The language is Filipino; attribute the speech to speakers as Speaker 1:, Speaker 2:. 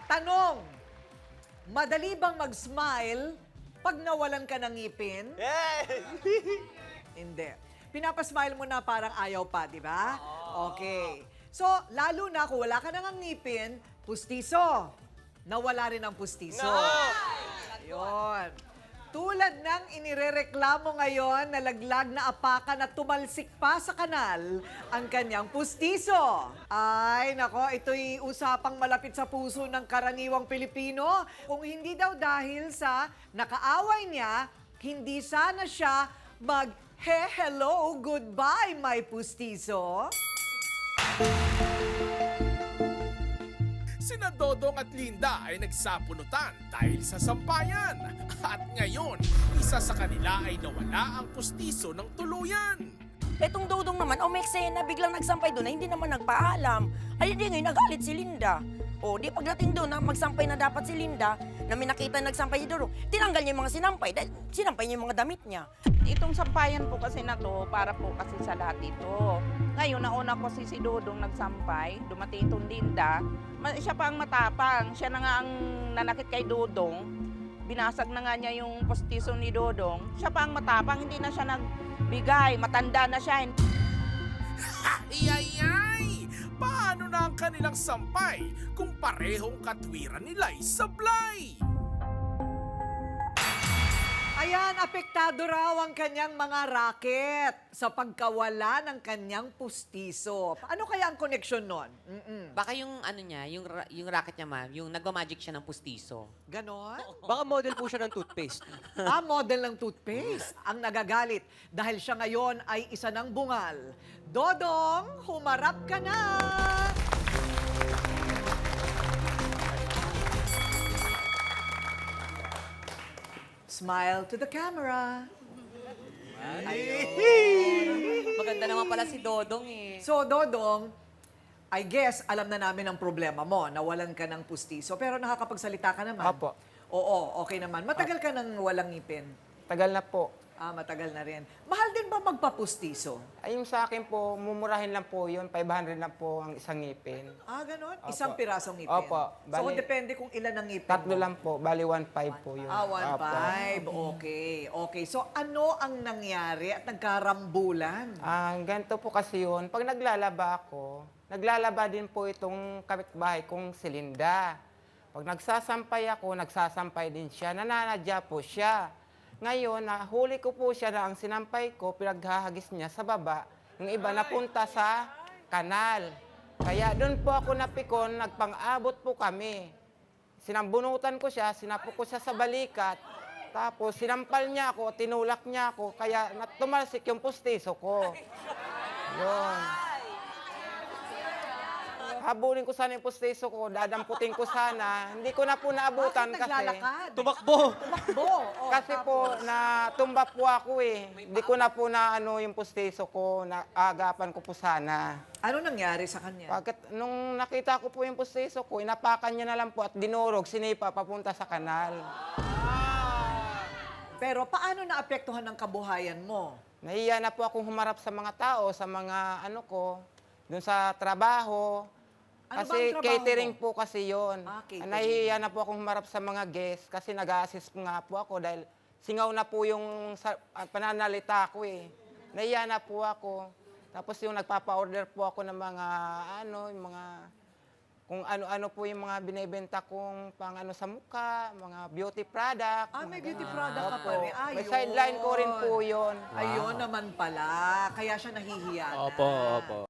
Speaker 1: Tanong, madali bang mag-smile pag nawalan ka ng ngipin? Hindi. Pinapasmile mo na parang ayaw pa, di ba? Okay. So, lalo na kung wala ka nang ngipin, pustiso. Nawala rin ang pustiso. Ayun. Tulad ng inirereklamo ngayon na laglag na apakan at tumalsik pa sa kanal ang kanyang pustiso. Ay, nako, ito'y usapang malapit sa puso ng karaniwang Pilipino. Kung hindi daw dahil sa nakaaway niya, hindi sana siya hello, goodbye, my pustiso.
Speaker 2: Sina Dodong at Linda ay nagsapunutan dahil sa sampayan. At ngayon, isa sa kanila ay nawala ang pustiso ng tuluyan.
Speaker 3: Etong Dodong naman, may eksena, biglang nagsampay doon na hindi naman nagpaalam. Ay, hindi ngayon, nagalit si Linda. O, di pagdating doon na magsampay na dapat si Linda, na may nakita nagsampay si Dodong, tinanggal niya yung mga sinampay dahil sinampay niya yung mga damit niya.
Speaker 4: Itong sampayan po kasi na to, para po kasi sa lahat ito. Ngayon, nauna ko si Dodong nagsampay, dumating itong Linda, siya pa ang matapang, siya na nga ang nanakit kay Dodong, binasag na nga niya yung postiso ni Dodong, siya pa ang matapang, hindi na siya nagbigay, matanda na siya.
Speaker 2: Ay! Paano na ang kanilang sampay kung parehong katwiran nila'y sablay?
Speaker 1: Ayan, apektado raw ang kanyang mga raket sa pagkawala ng kanyang pustiso. Ano kaya ang koneksyon nun?
Speaker 5: Baka yung ano niya, yung racket niya ma'am, yung nagmamagic siya ng pustiso.
Speaker 1: Ganon?
Speaker 6: Baka model po siya ng toothpaste.
Speaker 1: Model ng toothpaste ang nagagalit dahil siya ngayon ay isa ng bungal. Dodong, humarap ka na! Smile to the camera.
Speaker 5: Maganda naman pala si Dodong eh.
Speaker 1: So, Dodong, I guess, alam na namin ang problema mo. Nawalan ka ng pustiso. Pero nakakapagsalita ka naman.
Speaker 6: Apo.
Speaker 1: Oo, okay naman. Matagal ka nang walang ngipin.
Speaker 6: Tagal na po.
Speaker 1: Matagal na rin. Mahal din ba magpapustiso?
Speaker 6: Ay, yung sa akin po, mumurahin lang po yun. 500 lang po ang isang ngipin.
Speaker 1: Ganon?
Speaker 6: Opo.
Speaker 1: Isang pirasong ngipin?
Speaker 6: Opo.
Speaker 1: So,
Speaker 6: Bali-
Speaker 1: depende kung ilan ang ngipin
Speaker 6: Tatlo
Speaker 1: mo.
Speaker 6: lang po. Bali, 1.5 po yun.
Speaker 1: 1.5. Okay. Okay. So, ano ang nangyari at nagkarambulan?
Speaker 6: Ganito po kasi yun. Pag naglalaba ako, naglalaba din po itong kapitbahay kong si Linda. Pag nagsasampay ako, nagsasampay din siya. Nananadya po siya. Ngayon, nahuli ko po siya na ang sinampay ko, pinaghahagis niya sa baba. Yung iba napunta sa kanal. Kaya doon po ako napikon, nagpang-abot po kami. Sinambunutan ko siya, sinapok ko siya sa balikat. Tapos sinampal niya ako, tinulak niya ako, kaya tumalsik yung pustiso ko. Yun. Habulin ko sana yung pustiso ko, dadamputin ko sana. Hindi ko na po naabutan
Speaker 1: Bakit
Speaker 6: kasi.
Speaker 1: naglalakad?
Speaker 6: Tumakbo.
Speaker 1: Tumakbo.
Speaker 6: Kasi po, natumba po ako eh. Hindi ko na po na yung pustiso ko, naagapan ko po sana.
Speaker 1: Ano nangyari sa kanya?
Speaker 6: Pagkat nung nakita ko po yung pustiso ko, inapakan niya na lang po at dinurog, sinipa papunta sa kanal.
Speaker 1: Pero paano naapektuhan ng kabuhayan mo?
Speaker 6: Nahiya na po akong humarap sa mga tao, sa mga dun sa trabaho.
Speaker 1: Ano ba
Speaker 6: Kasi
Speaker 1: ang trabaho
Speaker 6: catering
Speaker 1: mo?
Speaker 6: po kasi yon.
Speaker 1: Catering.
Speaker 6: Nahihiya na po akong humarap sa mga guests kasi nag-a-assist nga po ako dahil singaw na po yung pananalita ko eh. Nahiya na po ako. Tapos yung nagpapa-order po ako ng mga yung mga kung ano-ano po yung mga binebenta kong pang sa mukha, mga beauty product.
Speaker 1: May
Speaker 6: mga
Speaker 1: beauty
Speaker 6: ganun.
Speaker 1: product ka pa
Speaker 6: Opo.
Speaker 1: rin.
Speaker 6: May sideline ko rin po yun.
Speaker 1: Ayun naman pala. Kaya siya nahihiya na.
Speaker 7: Opo, opo.